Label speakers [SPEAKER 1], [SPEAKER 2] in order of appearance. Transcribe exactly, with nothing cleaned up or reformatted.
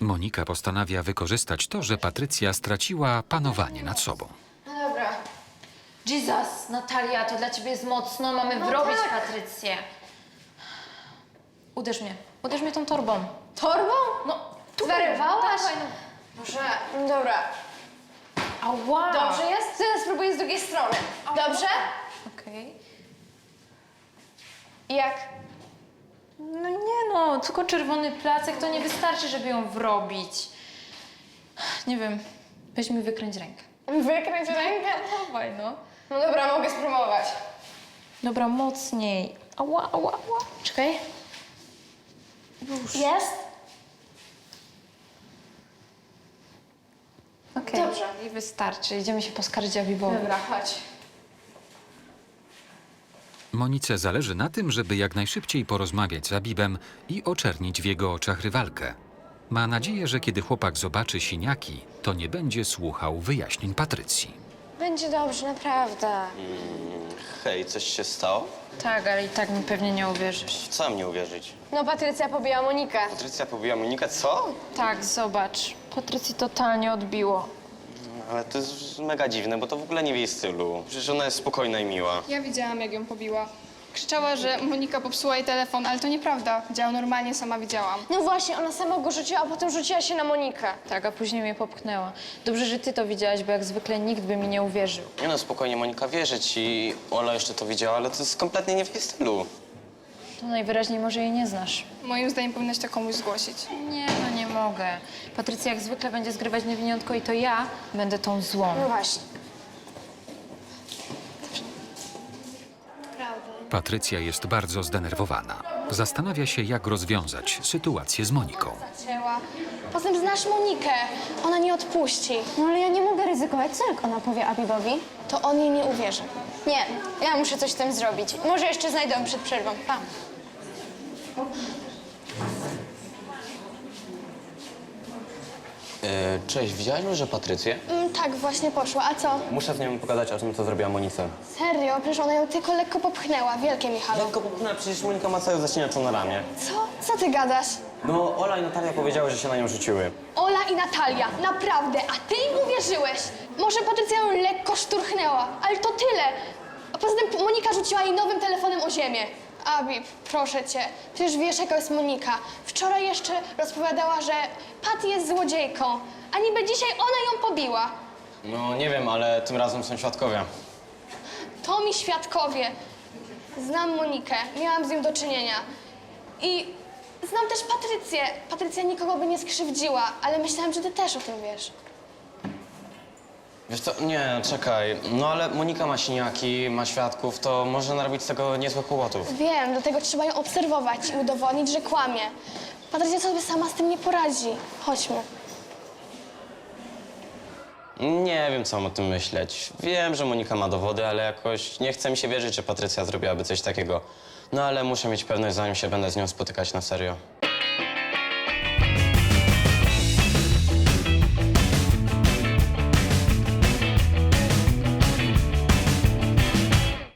[SPEAKER 1] Monika postanawia wykorzystać to, że Patrycja straciła panowanie nad sobą.
[SPEAKER 2] No dobra.
[SPEAKER 3] Jesus, Natalia, to dla ciebie jest mocno. Mamy
[SPEAKER 2] No
[SPEAKER 3] wrobić
[SPEAKER 2] tak.
[SPEAKER 3] Patrycję. Uderz mnie. Uderz mnie tą torbą.
[SPEAKER 2] Torbą?
[SPEAKER 3] No,
[SPEAKER 2] Zwariowałaś?
[SPEAKER 3] Dawaj, no.
[SPEAKER 2] Boże, no dobra.
[SPEAKER 3] Ała.
[SPEAKER 2] Dobrze jest? Teraz spróbuję z drugiej strony. Dobrze?
[SPEAKER 3] Okej.
[SPEAKER 2] I jak?
[SPEAKER 3] No nie no, tylko czerwony placek to nie wystarczy, żeby ją wrobić. Nie wiem, weź mi wykręć rękę.
[SPEAKER 2] Wykręć rękę?
[SPEAKER 3] Dawaj, no.
[SPEAKER 2] No dobra, mogę spróbować.
[SPEAKER 3] Dobra, mocniej. Ała, ała, ała. Czekaj.
[SPEAKER 2] Jest?
[SPEAKER 3] Okej.
[SPEAKER 2] Dobrze.
[SPEAKER 3] I wystarczy. Idziemy się poskarżyć Abibowi.
[SPEAKER 2] Dobra, chodź.
[SPEAKER 1] Monice zależy na tym, żeby jak najszybciej porozmawiać z Abibem i oczernić w jego oczach rywalkę. Ma nadzieję, że kiedy chłopak zobaczy siniaki, to nie będzie słuchał wyjaśnień Patrycji.
[SPEAKER 2] Będzie dobrze, naprawdę.
[SPEAKER 4] Hej, coś się stało?
[SPEAKER 3] Tak, ale i tak mi pewnie nie uwierzysz.
[SPEAKER 4] W co mam nie uwierzyć?
[SPEAKER 2] No, Patrycja pobiła Monikę.
[SPEAKER 4] Patrycja pobiła Monikę, co?
[SPEAKER 3] Tak, zobacz. Patrycji totalnie odbiło.
[SPEAKER 4] Ale to jest mega dziwne, bo to w ogóle nie w jej stylu. Przecież ona jest spokojna i miła.
[SPEAKER 5] Ja widziałam, jak ją pobiła. Krzyczała, że Monika popsuła jej telefon, ale to nieprawda. Działał normalnie, sama widziałam.
[SPEAKER 2] No właśnie, ona sama go rzuciła, a potem rzuciła się na Monikę.
[SPEAKER 3] Tak, a później mnie popchnęła. Dobrze, że ty to widziałaś, bo jak zwykle nikt by mi nie uwierzył.
[SPEAKER 4] Nie no, spokojnie, Monika wierzy ci. Ola jeszcze to widziała, ale to jest kompletnie nie w jej stylu.
[SPEAKER 3] To najwyraźniej może jej nie znasz.
[SPEAKER 5] Moim zdaniem powinnaś to komuś zgłosić.
[SPEAKER 3] Nie, no nie mogę. Patrycja jak zwykle będzie zgrywać niewiniątko i to ja będę tą złą.
[SPEAKER 2] No właśnie.
[SPEAKER 1] Patrycja jest bardzo zdenerwowana. Zastanawia się, jak rozwiązać sytuację z Moniką.
[SPEAKER 2] Zaczęła. Potem znasz Monikę. Ona nie odpuści.
[SPEAKER 6] No ale ja nie mogę ryzykować. Co jak ona powie Abibowi?
[SPEAKER 2] To on jej nie uwierzy. Nie, ja muszę coś z tym zrobić. Może jeszcze znajdę ją przed przerwą. Pa.
[SPEAKER 4] E, cześć, widziałaś może Patrycję?
[SPEAKER 2] Mm, tak, właśnie poszła. A co?
[SPEAKER 4] Muszę z nią pogadać o tym, co zrobiła Monice.
[SPEAKER 2] Serio? Przecież ona ją tylko lekko popchnęła. Wielkie, Michalo.
[SPEAKER 4] Lekko popchnęła, przecież Monika ma cały zaścieniacz na ramię.
[SPEAKER 2] Co? Co ty gadasz?
[SPEAKER 4] No, Ola i Natalia powiedziały, że się na nią rzuciły.
[SPEAKER 2] Ola i Natalia, naprawdę, a ty im uwierzyłeś? Może Patrycja ją lekko szturchnęła, ale to tyle. A poza tym Monika rzuciła jej nowym telefonem o ziemię. Abi, proszę cię, przecież wiesz, jaka jest Monika. Wczoraj jeszcze rozpowiadała, że Pat jest złodziejką, a niby dzisiaj ona ją pobiła.
[SPEAKER 4] No, nie wiem, ale tym razem są świadkowie.
[SPEAKER 2] To mi świadkowie. Znam Monikę, miałam z nią do czynienia. I znam też Patrycję. Patrycja nikogo by nie skrzywdziła, ale myślałam, że ty też o tym wiesz.
[SPEAKER 4] Wiesz co, nie, czekaj. No ale Monika ma siniaki, ma świadków, to może narobić z tego niezłych kłopotów.
[SPEAKER 2] Wiem, dlatego trzeba ją obserwować i udowodnić, że kłamie. Patrycja sobie sama z tym nie poradzi. Chodźmy.
[SPEAKER 4] Nie wiem, co mam o tym myśleć. Wiem, że Monika ma dowody, ale jakoś nie chce mi się wierzyć, że Patrycja zrobiłaby coś takiego. No ale muszę mieć pewność, zanim się będę z nią spotykać na serio.